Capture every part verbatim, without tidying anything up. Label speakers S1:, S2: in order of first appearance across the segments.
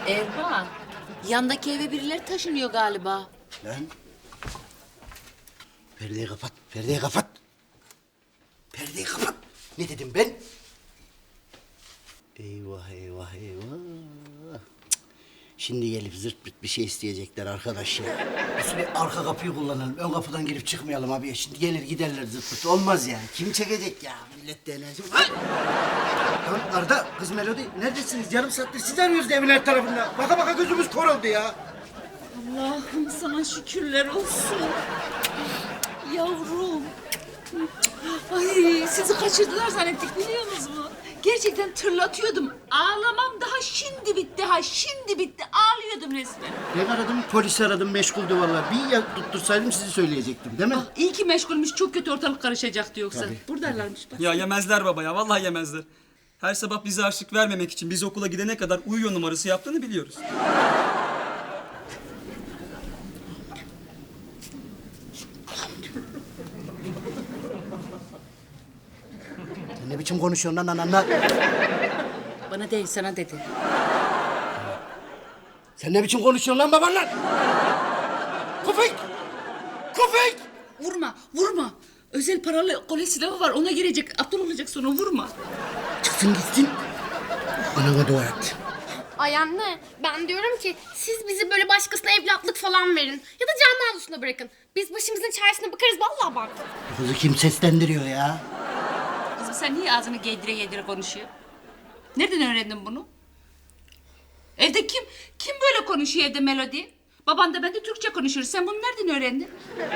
S1: Erman, yandaki eve birileri taşınıyor galiba.
S2: Lan. Perdeyi kapat, perdeyi kapat. Perdeyi kapat. Ne dedim ben? Eyvah, eyvah, eyvah. Cık. Şimdi gelip zırt pırt bir şey isteyecekler arkadaş ya. Biz bir arka kapıyı kullanalım. Ön kapıdan girip çıkmayalım abi. Şimdi gelir giderler zırt pırt. Olmaz yani. Kim çekecek ya? Millet de enerji. Ay! Lan Arda, kız Melodi neredesiniz? Yarım saattir sizi arıyoruz evin her tarafında. Baka baka gözümüz kor oldu ya.
S1: Allah'ım sana şükürler olsun. Yavrum. Ay sizi kaçırdılar zannettik biliyor musunuz? Gerçekten tırlatıyordum. Ağlamam daha şimdi bitti ha şimdi bitti. Ağlıyordum resmen.
S2: Ben aradım, polisi aradım, meşguldü vallahi. Bir ya tuttursaydım sizi söyleyecektim değil mi?
S1: Ah, iyi ki meşgulmüş çok kötü ortalık karışacaktı yoksa.
S2: Tabii.
S1: Buradalarmış bak.
S3: Ya yemezler baba ya, vallahi yemezler. Her sabah bize harçlık vermemek için biz okula gidene kadar uyuyor numarası yaptığını biliyoruz.
S2: Sen ne biçim konuşuyorsun lan ananla?
S1: Bana değil sana dedi.
S2: Sen ne biçim konuşuyorsun lan babanla? Köpek! Köpek!
S1: Vurma vurma. Özel paralı kolye silahı var ona girecek. Aptal olacak sonra vurma.
S2: Çıksın gitsin. Anana dua et.
S4: Ay anne, ben diyorum ki siz bizi böyle başkasına evlatlık falan verin. Ya da canlı avlusuna bırakın. Biz başımızın çaresine bakarız vallahi bak.
S2: Kızı kim seslendiriyor ya?
S1: Kızım sen niye ağzını giydire giydire konuşuyor? Nereden öğrendin bunu? Evde kim kim böyle konuşuyor evde Melodi? Baban da ben de Türkçe konuşuyoruz. Sen bunu nereden öğrendin?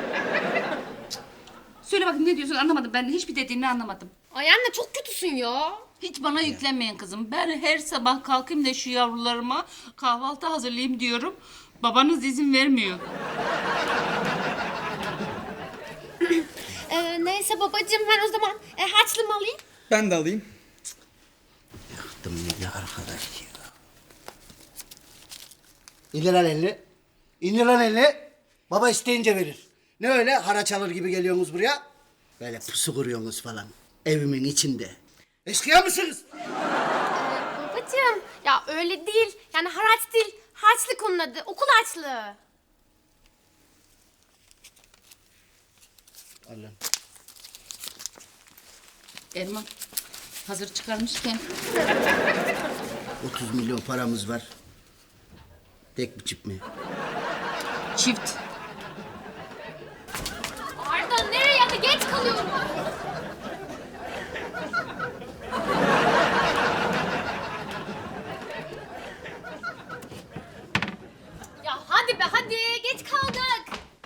S1: Söyle bakayım ne diyorsun anlamadım. Ben hiçbir dediğini anlamadım.
S4: Ay anne çok kötüsün ya.
S1: Hiç bana yüklenmeyin kızım. Ben her sabah kalkayım da şu yavrularıma kahvaltı hazırlayayım diyorum. Babanız izin vermiyor.
S4: Ee, neyse babacığım ben o zaman e, harçlığımı alayım.
S3: Ben de alayım.
S2: Yaktım beni arkadaş ya. İndir lan elini. İndir lan elini. Baba isteyince verir. Ne öyle haraç alır gibi geliyorsunuz buraya? Böyle pusu kuruyorsunuz falan. Evimin içinde. Eşkıya mısınız?
S4: Ee, babacığım ya öyle değil. Yani haraç değil. Harçlık onun adı. Okul harçlığı.
S2: Al lan.
S1: Erman hazır çıkarmışken
S2: otuz milyon paramız var. Tek bir çip mi?
S1: çift.
S4: Arda nereye hadi geç kalıyorum. Ya hadi be hadi geç kaldık.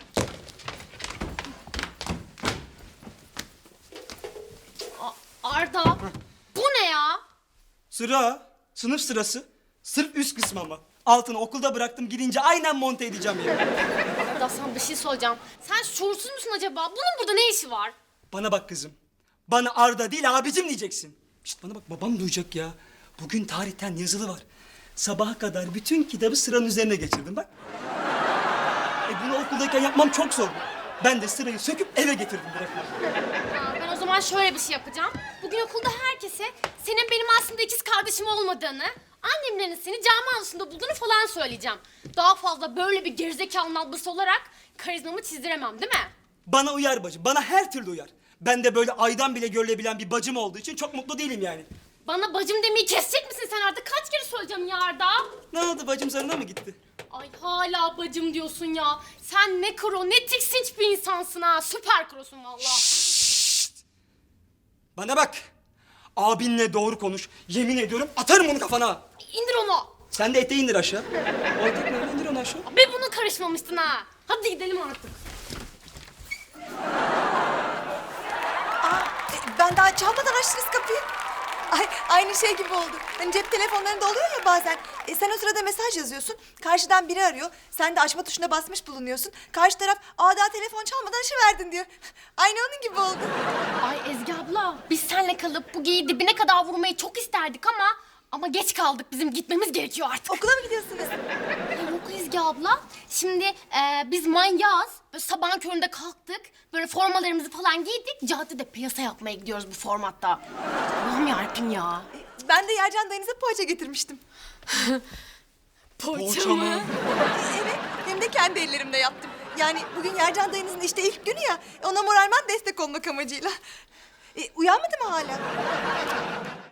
S4: A- Arda bu ne ya?
S3: Sıra, sınıf sırası. Sırf üst kısmı ama. Altını okulda bıraktım, gidince aynen monte edeceğim ya.
S4: Arda sana bir şey soracağım. Sen şuursuz musun acaba? Bunun burada ne işi var?
S3: Bana bak kızım. Bana Arda değil abicim diyeceksin. Şişt bana bak babam duyacak ya. Bugün tarihten yazılı var. Sabaha kadar bütün kitabı sıranın üzerine geçirdim bak. E bunu okuldayken yapmam çok zor. Ben de sırayı söküp eve getirdim bırakma.
S4: Ya ben o zaman şöyle bir şey yapacağım. Bugün okulda herkese senin benim aslında ikiz kardeşim olmadığını, annemlerin seni cami avlusunda bulduğunu falan söyleyeceğim. Daha fazla böyle bir gerizekalı ablası olarak karizmamı çizdiremem değil mi?
S3: Bana uyar bacım, bana her türlü uyar. Ben de böyle aydan bile görülebilen bir bacım olduğu için çok mutlu değilim yani.
S4: Bana bacım demeyi kesecek misin sen artık? Kaç kere söyleyeceğim ya Arda?
S3: Ne oldu bacım zarına mı gitti?
S4: Ay hala bacım diyorsun ya. Sen ne kro ne tiksinç bir insansın ha. Süper krosun vallahi.
S3: Bana bak. Abinle doğru konuş. Yemin ediyorum atarım onu kafana.
S4: İndir onu.
S3: Sen de eteği indir aşağı. O etek ne? İndir onu aşağı.
S4: Be bunu karışmamıştın ha. Hadi gidelim artık.
S5: Ben daha çalmadan açtınız kapıyı. Ay, aynı şey gibi oldu. Hani cep telefonlarında oluyor ya bazen. E, sen o sırada mesaj yazıyorsun. Karşıdan biri arıyor. Sen de açma tuşuna basmış bulunuyorsun. Karşı taraf aa daha telefon çalmadan verdin diyor. Aynı onun gibi oldu.
S4: Ay Ezgi abla biz seninle kalıp bu geyiği dibine kadar vurmayı çok isterdik ama... Ama geç kaldık bizim gitmemiz gerekiyor artık.
S5: Okula mı gidiyorsunuz?
S4: Ay yok Ezgi abla. Şimdi e, biz manyağız. Böyle sabahın köründe kalktık. Böyle formalarımızı falan giydik. Caddede piyasa yapmaya gidiyoruz bu formatta. Allah'ım yarabbim ya.
S5: Ben de Yercan dayınıza poğaça getirmiştim.
S4: Poğaça,
S3: Poğaça
S4: mı?
S3: mı?
S5: E, evet, hem de kendi ellerimle yaptım. Yani bugün Yercan dayınızın işte ilk günü ya, ona moralman destek olmak amacıyla. E, uyanmadı mı hala?